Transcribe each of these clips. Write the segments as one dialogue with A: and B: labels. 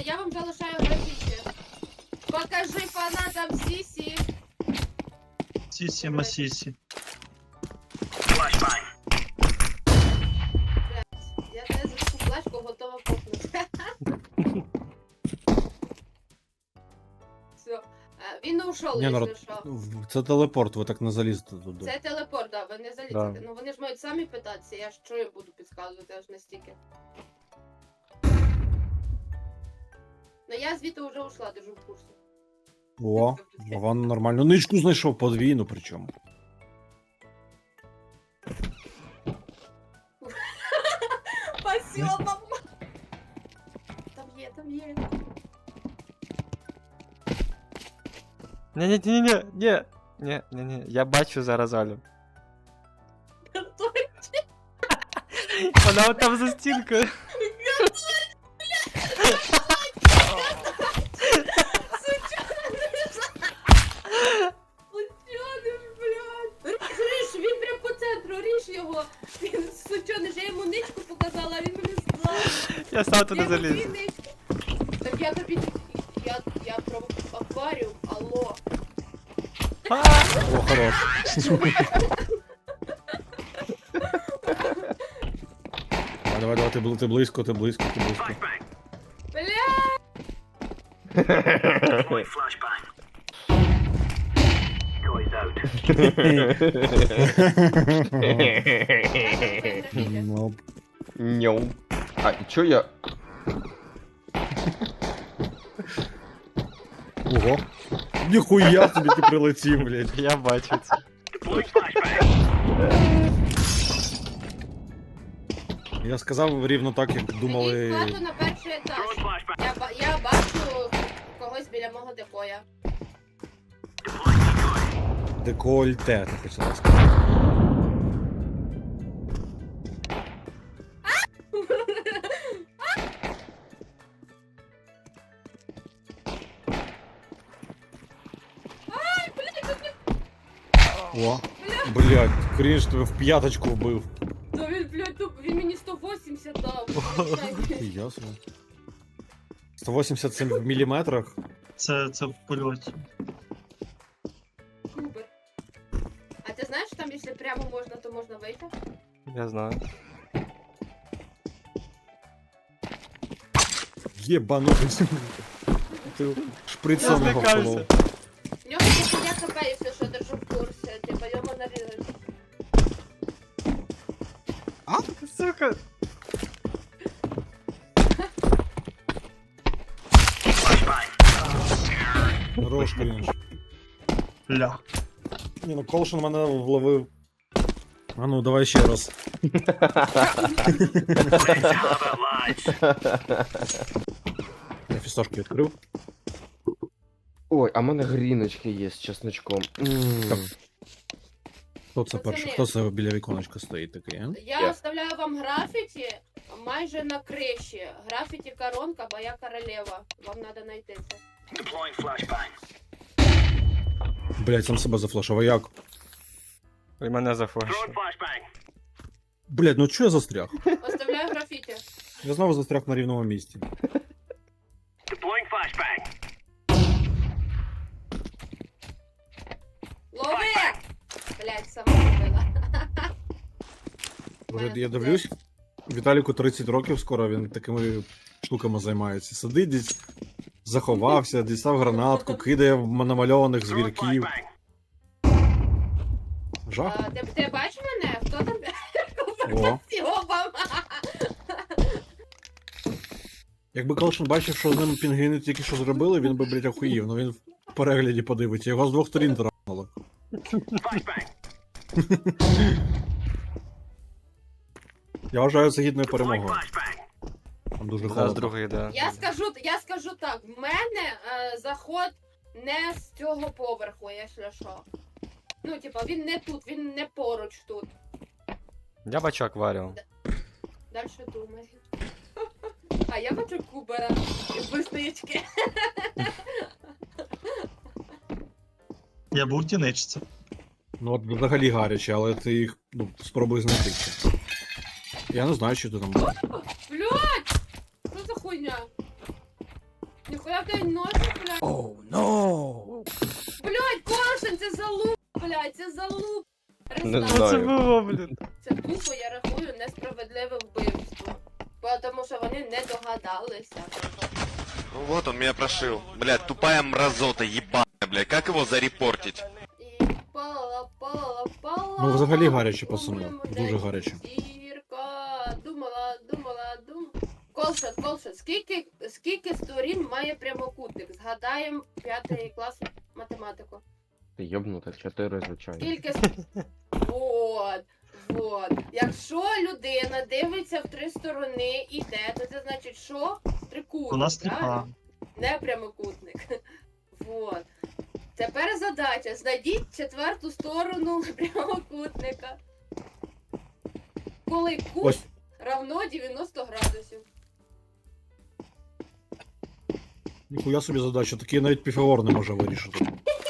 A: я вам залишаю графіті. Покажи фанатам Сісі.
B: Сісі, масісі.
A: Я тебе за таку флешку готова копнути. Все. Він не ушов,
C: Ні,
A: якщо що.
C: Це телепорт, ви так не залізете туди.
A: Це телепорт, да, ви не залізете.
C: Да.
A: Ну вони ж мають самі питатися, я ж що я буду підказувати аж настільки. Ну я звідти вже ушла, держу в курсі.
C: О, Вован нормально. Ничку знайшов подвійну причому.
A: Спасибо, мама! Там є, там є.
D: Ні, я бачу зараз Алю. Вона от там за стінкою.
A: Ріж, він прям по центру, ріж його. Він сучоний, я йому ничку показала, а він мене здав.
D: Я сам туди заліз.
A: Так я тобі... Я про акваріум, алло.
C: О, хорош. Давай, ти близько.
A: Бля!
C: Ну,
E: Ньоу. А, і чо я?
C: Ого. Ніхуя собі ти прилетів, блядь.
D: Я бачу це.
C: Я сказав рівно так, як
A: Ідіть
C: думали.
A: в хату на перший етаж. Я бачу когось біля мого депоя.
C: Декольте, ти хотіла сказати. О, блядь, крінж тебе в п'яточку вбив.
A: Та він, блядь, він мені 180 дав.
C: Ясно. 187 в міліметрах.
B: Це в польоті.
A: Кубер. А ти знаєш, що там, якщо прямо можна, то можна вийти?
D: Я знаю.
C: Єбанутий. Ти шприцом
D: Я
C: його
D: злякався.
C: вколов.
A: В нього тільки я хп, якщо що, держу в курсі. Типа йому нарізати.
D: Сука.
C: Хорош крінж.
B: Ля.
C: Ні, ну Колшин мене вловив. А ну, давай ще раз. Я фісташки відкрив.
E: Ой, а в мене гріночки є з чесночком.
C: Хто це перший? Хто це біля віконечка стоїть такий, а?
A: Я оставляю вам графіті майже на криші. Графіті коронка, бо я королева. Вам треба знайти це.
C: Блять, сам себе зафлешив, а як?
D: І мене зафлешив.
C: Блять, ну чого я застряг?
A: Оставляю графіті.
C: Я знову застряг на рівному місці.
A: Лови! Блять, сама вбила.
C: Вже я дивлюсь, Віталіку 30 років скоро, він такими штуками займається. Сидить десь, заховався, дістав гранатку, кидає в намальованих звірків. Жах.
A: Ти бачиш мене? Хто там?
C: О.
A: Сьобам!
C: Якби Колшин бачив, що з ним пінгвіни тільки що зробили, він би, блять, охуїв. Ну він в перегляді подивиться. Його з двох сторін травнуло. Я вважаю це гідною перемогою. Там дуже
D: У нас
C: холодно.
D: другий, да.
A: Я скажу так, в мене заход не з цього поверху, якщо що. Ну, типа, він не тут, він не поруч тут.
D: Я бачу акваріум.
A: Дальше думай. А я бачу кубера і вистаєчки.
B: Я був в тіничці.
C: Ну от взагалі гаряче, але ти їх спробуй знайти. Я не знаю, що ти там.
A: Блядь! Що за хуйня? Куди в тебе носиш, блядь?
D: Оу, но!
A: Блядь, Коршун, це залуп, блядь, це залуп.
E: Не
A: Рестарт.
D: Що це
E: знаю.
D: було, блін?
A: Це тупо, я рахую, несправедливе вбивство. Тому що вони не догадалися.
F: Ну вот он меня прошил. Блядь, тупая мразота, ебаная, блядь. Как его зарепортить?
A: І пала.
C: Ну, взагалі гаряче, пацани. Дуже гаряче.
A: Зірка, думала. Колшот, скільки сторін має прямокутник? Згадаємо 5 клас математику.
E: Ти йобнута, 4, звичайно.
A: Скільки Вот. Якщо людина дивиться в 3 сторони і йде, то це значить, що? Трикутник.
B: У нас
A: правильно?
B: тріпа.
A: Не прямокутник. Вот. Тепер задача. Знайдіть 4-ту сторону прямокутника. Коли кут
C: Ось.
A: равно 90 градусів.
C: Ніхуя собі задача, такий навіть Піфагор не може вирішити.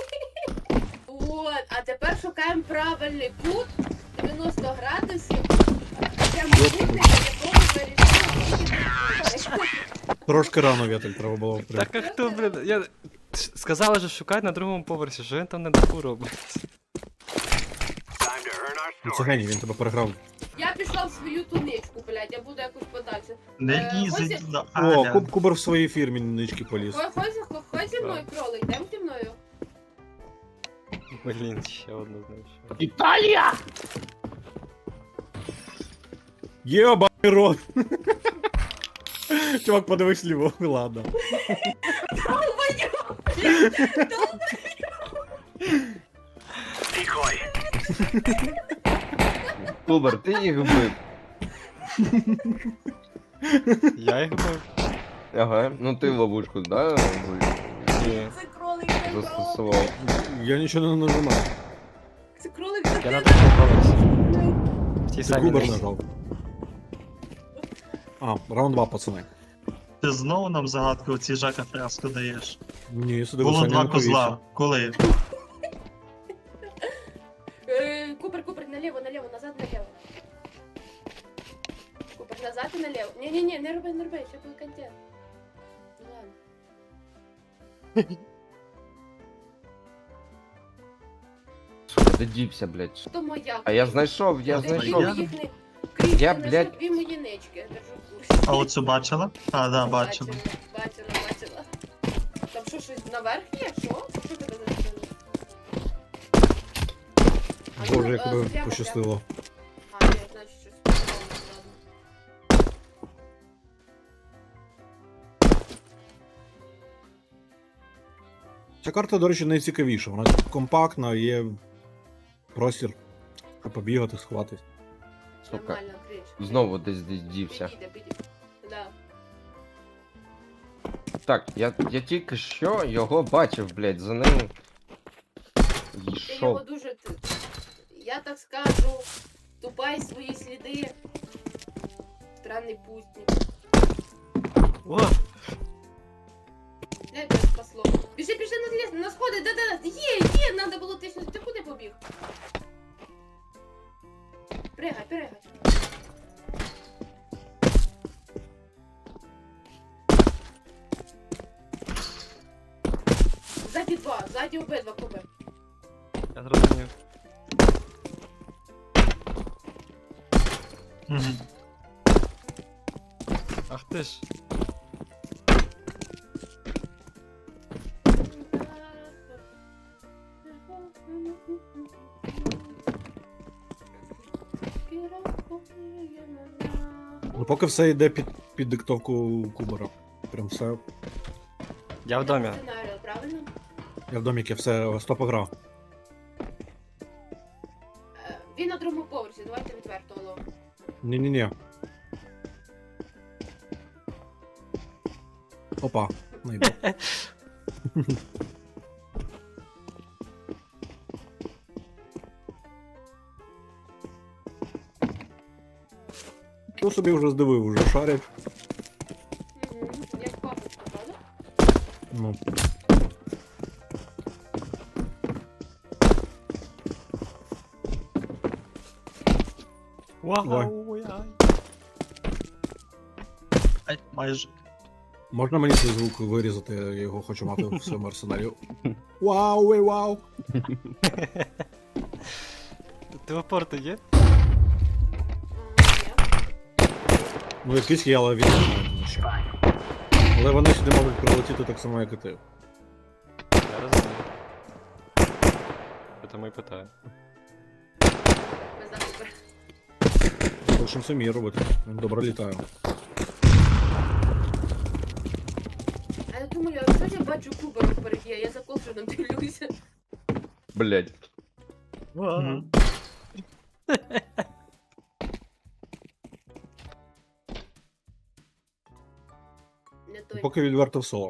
A: Вот. А тепер шукаємо правильний кут 90 градусів. Прямокутника, якого вирішили.
C: Трошки рано, Вєтель, треба було прям.
D: Так а хто, блін? Я... Сказали же шукати на другому поверсі, що він там на даху робить?
C: Ну, це геній, він тебе переграв.
A: Я пішла в свою туничку, блядь, я буду якось подальше.
B: Не лізь
A: Хозі-
B: туди,
C: О,
B: Аля.
C: Кубер в своїй фірмі нички поліз.
A: Ходь зі мною, кролик, йдем зі мною.
D: Блін, ще одну знайшов.
E: Італія!
C: Єбаний рот! Чувак, подивись ліво, ладно.
E: Кубер, ти їх вбив.
D: Я їх бив?
E: Ага, ну ти ловушку, да?
D: Ні.
A: Це кролик,
E: Застосував.
C: Я нічого не нажимав.
A: Це кролик,
D: Я на другому поверсі. В тій
C: Ти
D: самій
C: Кубер
D: нижній.
C: нажав. А, раунд 2, пацани.
B: Ти знову нам загадку оці Жака Фреско даєш.
C: Ні, сюди
B: Було
C: Саня
B: 2
C: не повівся.
B: козла. Коли?
A: Купер, налево, назад, налево. Купер, назад і налево. Ні, не роби, ще буде контент. Ну ладно.
E: Де дівся, блядь.
A: То моя.
E: А я знайшов, я
A: Ти
E: знайшов.
B: Я-
A: їх не- Кріс,
E: Я,
A: ти знайшов
E: блядь-
A: 2 мої нички, я держу в курсі.
B: А оцю бачила? А, да, бачила.
A: Бачила. Там що, щось наверх є? Що? Що тебе зачинило?
C: Боже, як тебе пощастило.
A: А, ні, значить щось. Ладно.
C: Ця карта, до речі, найцікавіша. Вона компактна, є простір, щоб побігати, сховатись.
E: Сука.
A: Нормально, Кріш.
E: Знову десь дівся.
A: Підійде. Да.
E: Так, я тільки що його бачив, блядь, за ним.
A: Ти його
E: Йшов.
A: дуже. Я так скажу. Ступай свої сліди. Странний пустник.
D: О!
A: Не тебе спасло. Біжи на сходи, да. Є, надо було ти щось. Ти куди побіг? Пригай. Ззаді обидва купи.
D: Я зрозумів.
B: Мгм.
D: Ах ти ж.
C: Ну, поки все йде під диктовку Кубера. Прям все.
D: Я в домі.
A: Сценарію, правильно?
C: Я в доміки все стопограв.
A: Він на другому поверсі, давайте відверто ловимо.
C: Ні-ні-ні. Опа, не йду. Що собі вже здивив, уже шарять.
A: Як папочка, правда?
C: Ну.
D: Вау!
B: Ай, майже.
C: Можна мені цей звук вирізати, я його хочу мати в своєму арсеналі. Вау, ей, вау!
D: Телепорти є?
A: Ні.
C: Ну якийсь є, але він не знає, тому що. Але вони сюди можуть прилетіти так само, як і ти.
D: Я розумію. Тому і питаю.
A: Ми зараз
C: Хочемо самі робити. Він добре літає.
A: А я думаю, а що я бачу кубарок впереді, а я за колшином дивлюся.
E: Блять.
B: Ага.
A: Не той.
C: Поки відверто в соло.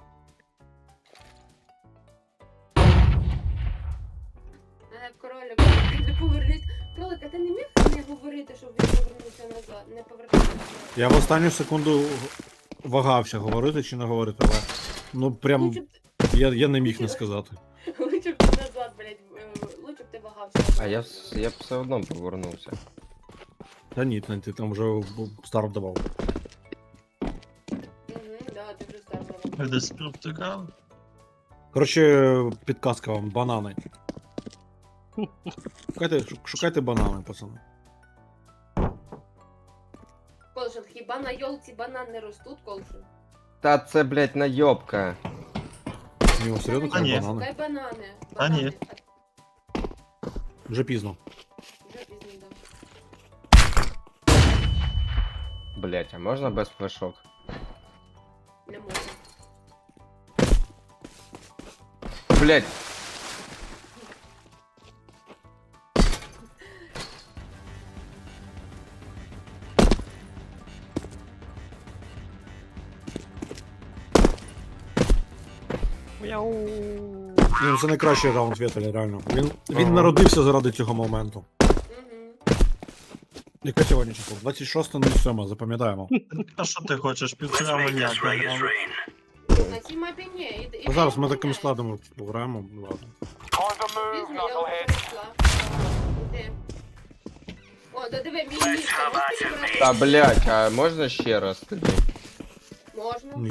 A: Кролик, не повернись. Кролик, а ти не міг не говорити, щоб він повернувся назад? Не повертався назад.
C: Я в останню секунду вагався, говорити чи не говорити, але. Ну прям
A: Лучше б
C: я не міг не сказати.
A: лучше б ти назад, блядь, лучше б ти вагався.
E: А я б все одно повернувся.
C: Та ні, ти там вже старт давав.
A: Да, ти вже старт.
B: Ви десь провтикали?
C: Коротше, підказка вам, банани. Шукайте банани, пацани.
A: Колшин, хіба на йолці банан не ростуть, Колшин?
E: Та це, блять, найобка.
C: Ні, о, серйозно,
B: А ні.
C: кажуть, банани.
A: Дай банани.
B: А ні.
C: Вже пізно.
A: Вже пізно, да.
E: Блять, а можна без флешок?
A: Не можна.
E: Блять.
D: Мяу.
C: Ні, це найкращий раунд Вєтеля, реально. Він
E: Ага.
C: народився заради цього моменту.
A: Угу.
C: Яке сьогодні число? 26.07, запам'ятаємо.
B: А що ти хочеш? Півтора мільярда грам.
A: На цій мапі ні.
C: Ну, зараз ми такими складами пограємо. Ладно.
A: Пізно, я вже прийшла. Іди. О, да диви, мій місце.
E: Та блять, а можна ще раз тоді?
A: Можна.
C: Ні.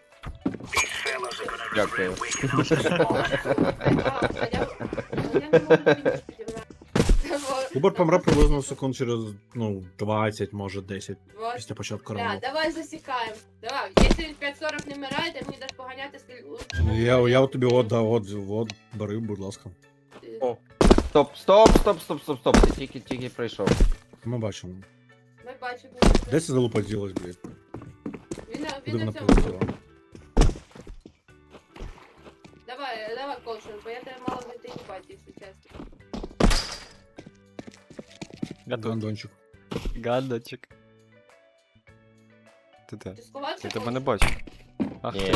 E: Дякую.
A: А я не можу фініш підібрати.
C: Кубер помре приблизно секунд через, 20, може 10
A: Вот.
C: після початку
A: Бля,
C: раунду.
A: давай засікаємо. Давай, якщо він 5.40 не вмирає, ти мені даш поганяти скільки.
C: Я тобі от, бери, будь ласка.
E: О. Стоп. Ти тільки прийшов.
C: Ми бачимо.
A: Ми бачимо.
C: Де це залупа ділась, блядь?
A: Він
C: Куди
A: на
C: вона
A: цьому.
C: полетіла?
A: Давай, Колшин, бо я тебе мало не їбать, якщо чесно.
C: Гандончик.
D: Гадочок. Ти де?
A: Ти сховався?
D: Я тебе не
A: Колшин?
D: бачу. Ах
E: Ні.
D: ти.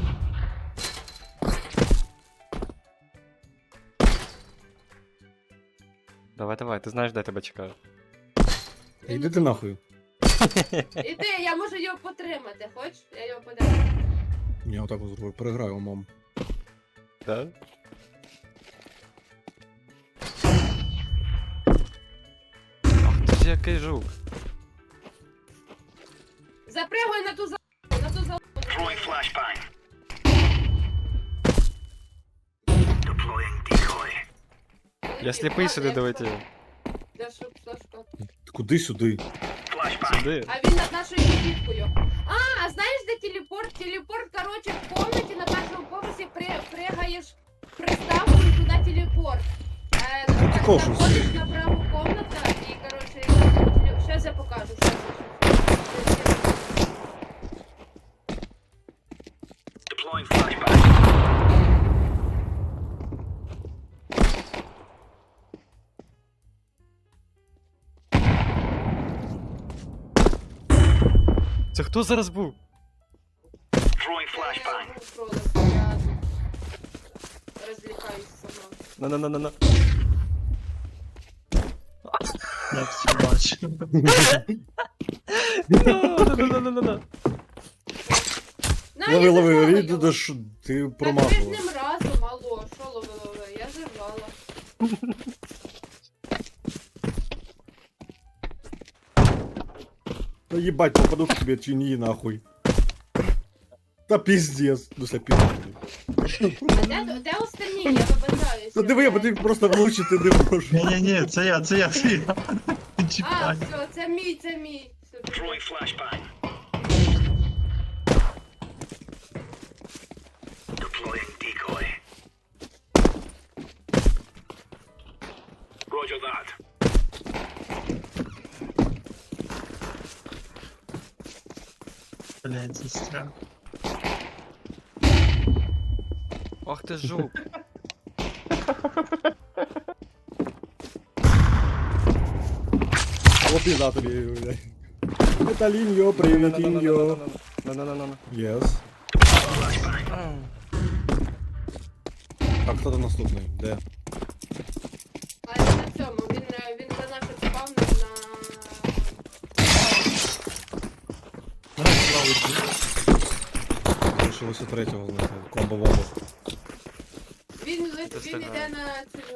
D: Давай, ти знаєш, де я тебе чекаю.
C: Іди ти нахуй.
A: Іди, я можу його потримати, хочеш? Я його потримаю.
C: Я отак от зроблю, переграю умом.
D: Да? Ах ти ж який жук.
A: Запригуй на ту залу.
D: Я сліпий сюди долетів.
A: Я шук, Сашко.
C: Куди сюди?
D: Сюди.
A: А він над нашою кибіткою. А знаєш, де телепорт? Телепорт, короче, в комнаті на першому поверсі пригаєш приставку і туди телепорт.
C: Колшин.
A: Заходиш на праву комнату і, короче, зараз я покажу. Щас.
D: Це хто зараз був?
A: Я розвлікаюсь сама.
D: На.
B: Я все бачу.
D: На.
A: На, я
C: Лови,
A: зажала
C: Рід,
A: його.
C: де ж ти
A: Так ви ж
C: промазала.
A: ним разом, алло, що лови? Я зажала.
C: Та їбать, попаду к тебе чи ні, нахуй. Та піздец. Ну, це піздец.
A: А де останні? Я вибачаюся.
C: Та диви, бо ти просто влучити не можеш.
B: Ні-ні-ні, це я. Не
A: А,
B: чіпай.
A: все, це мій. Супер.
B: Блядь, застряг.
D: Ох ти жук.
C: О, пізда тобі, блядь. Металіньо, привітіньо.
D: На-на-на-на.
C: Єс. Так, хто там наступний? Де?
A: А я на цьому, він за нашим спавном
C: Лишилося третього знайти. Комбо-вомбо.
A: Він
D: Ти встигає.
A: іде на цю.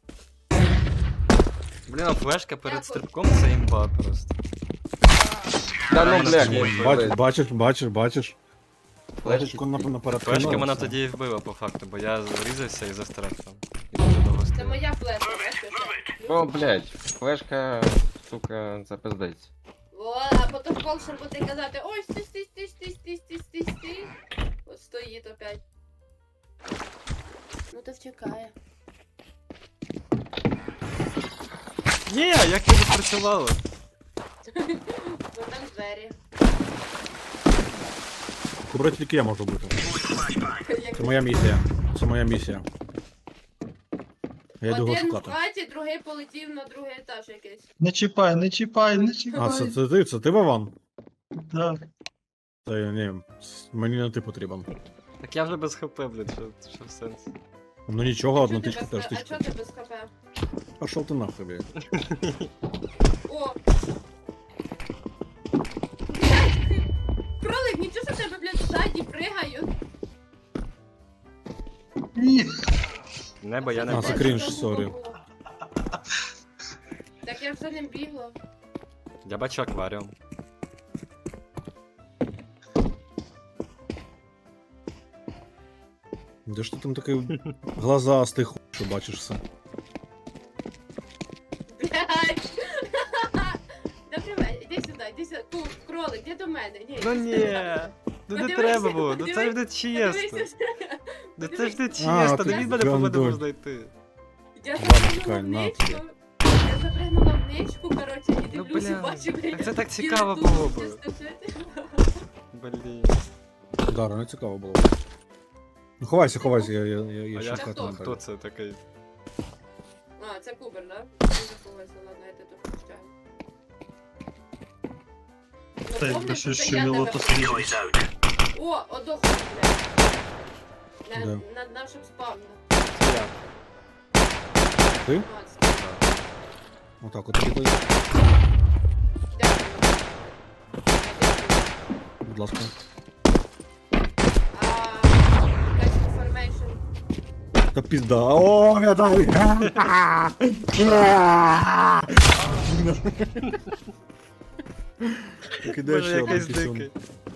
D: Блін, а флешка перед стрибком це імба просто.
E: Та ну,
D: Мене
E: блядь,
D: тоді
E: ні,
D: вбили.
C: Бачиш. Флешечку на
D: Флешка
C: перепину.
D: мене тоді і вбила по факту, бо я врізався і застряг там. І дуже довго
A: Це
D: стояв.
A: моя флешка, бачиш?
E: Ну, блядь, флешка, сука, це пиздець.
A: О, а потім Колшер буде казати, ой, стій. От стоїть опять. Ну то втікає.
D: Ні, як це відпрацювало?
A: Бо там двері.
C: Кубра тільки я можу бути.
A: Як
C: Це моя місія. Це моя місія. Я йду його
A: один в
C: шукати.
A: хаті, другий полетів на другий етаж якийсь.
B: Не чіпай.
C: А, це ти Вован?
B: Да.
C: Та ні, мені не ти потрібен.
D: Так я вже без хп, блін, що в сенс?
C: Ну нічого, одну
A: Чого ти
C: тичку
A: без-
C: теж
A: А
C: тичку.
A: чого ти без ХП?
C: Пошов ти нахуй, блядь.
A: О! Блядь! Кролик, нічого що тебе, блядь, ззаді пригають.
B: Ні.
D: Небо я не
C: А, це
D: бачу.
C: крінж, сорі.
A: Так я вже не бігла.
D: Я бачу акваріум.
C: Де ж ти там такий глазастий хуй, що бачиш все?
A: Блядь! Добрий вечір, іди сюди, тут, кролик, іди до мене. Ні,
D: Ну
A: іди
D: ні,
A: сюди.
D: ну не
A: Подивися,
D: треба було, ну це ж не
A: подивися,
D: чесно.
A: Подивися.
D: Ну це ж не
C: А,
D: чесно,
C: ти
D: не він мене повинен
C: гандон.
D: був знайти.
A: Я
C: Ладно,
A: запригнула
C: чекай,
A: в
C: на
A: ничку.
C: тобі.
A: Я запригнула в ничку, коротше, і
D: Ну,
A: дивлюся,
D: бля,
A: бачу, блядь.
D: так це так
A: він
D: цікаво
A: тут
D: було би.
A: стоїть.
D: Блін.
C: Да, не цікаво було. Ну ховайся, я
D: А
C: ще
D: я
C: шукати не
D: хто
C: так.
D: це такий?
A: А, це кубер, да? Я заховалася, ладно, я тебе тут прощаю. Ну,
B: Та якби
A: помниш,
B: щось
A: це я
B: щеміло,
A: тебе-
B: то свіже.
A: О, одоху, блядь.
C: Де?
A: Над нашим спавном.
D: Це я.
C: Ти?
A: А, це-
C: Отак, от тобі,
A: Дякую.
C: будь ласка.
A: Якась information.
C: Та пізда. О, медаль! Кидай
D: Боже,
C: ще один
D: якийсь
C: пісюн.
D: дикий.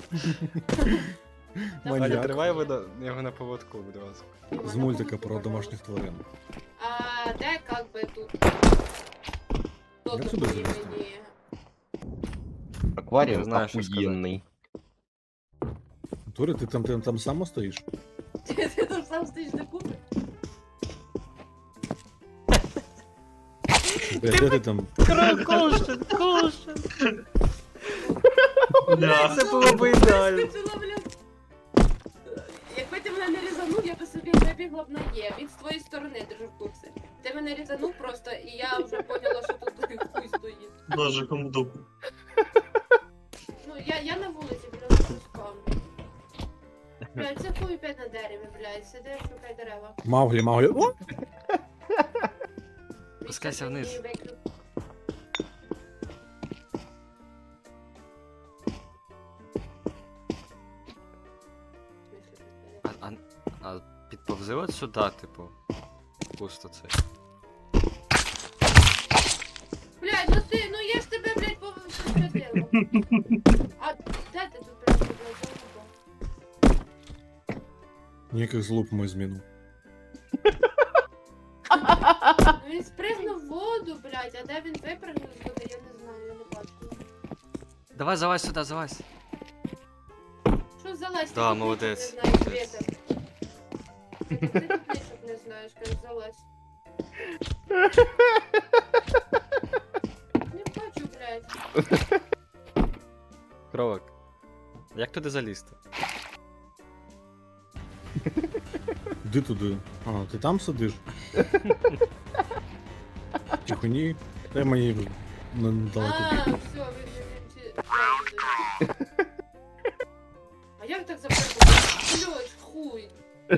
A: Давай.
D: Аня,
C: Маньяк.
D: тримай його на поводку, будь ласка.
C: З мультика про домашніх тварин.
A: А де как би тут? Хто
C: Як
A: тут
C: сюди
A: мені?
C: залізти?
E: Акваріум
D: Я знаю, що
E: охуєнний.
C: Турі, ти там сам стоїш?
A: Ти там сам стоїш на кубі?
C: Де ти там?
D: Кошен, кошен!
B: Бля.
D: Це було б ідеально.
A: Вискочила, блядь. Якби ти мене не різанув, я би собі вибігла б на Є. Він з твоєї сторони держав в курсі. Ти мене різанув просто, і я вже поняла, що тут хуй стоїть.
B: Боже, кому дупу.
A: Ну, я на вулиці, біля спавну. Блядь, це хуй опять на дереві, блядь. Сиди, шукай дерева.
C: Мауглі. О!
D: Спускайся вниз.
A: Мені виклик.
D: А підповзи от сюди, типу. Пусто це.
A: Блядь, ну ти, ну я ж тебе, блядь, повсюдила. А де ти тут, блядь, блядь?
C: Ніяких злуп ми зміну.
A: Ну він спригнув в воду, блядь, а де він випрыгнув з води, я не знаю, я не бачу.
D: Давай, залазь сюди, залазь.
A: Що залазь?
D: Да,
A: Ти
D: молодець,
A: тут не знаєш,
D: молодець.
A: Света. Ти тут нічого не знаєш, кажеш, залазь. Не бачу, блядь.
D: Кровик. Як туди залізти?
C: Іди туди. А, ти там сидиш? Тихо, ні. Та мені недалеко.
A: А, все, він. А як так запрыгнути? Блядь, хуй.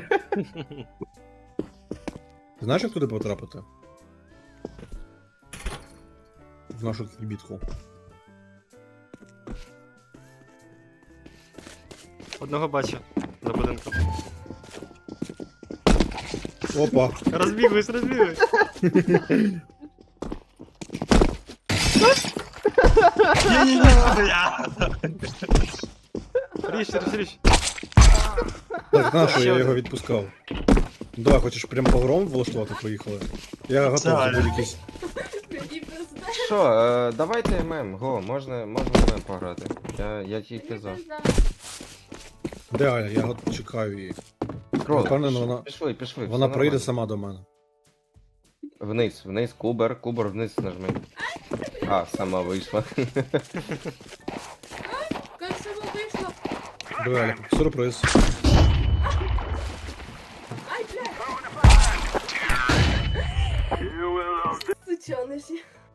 C: Ти знаєш, як туди потрапити? В нашу кібітку.
D: Одного бачу. За будинком.
C: Опа!
D: Розбігусь, розбігусь.
B: Ні-ні-ні, я.
D: Річ, річ.
C: Так, на що
D: Ще
C: я
D: один.
C: його відпускав? Давай, хочеш прям погром влаштувати, поїхали. Я готов за
B: Це-
C: будь-якийсь.
A: Мені пизда.
E: Що, давайте ММ, го, можна ММ пограти. Я тільки за.
C: Де Аля? Я чекаю її.
E: Кролик,
C: Впевнений, вона-
E: пішли.
C: Вона
E: все
C: прийде
E: нормально.
C: сама до мене.
E: Вниз, кубер вниз нажми. А, сама вийшла.
A: Як само вийшло?
C: Диви, Аля, сюрприз.
A: Ай, блядь. Сучониші.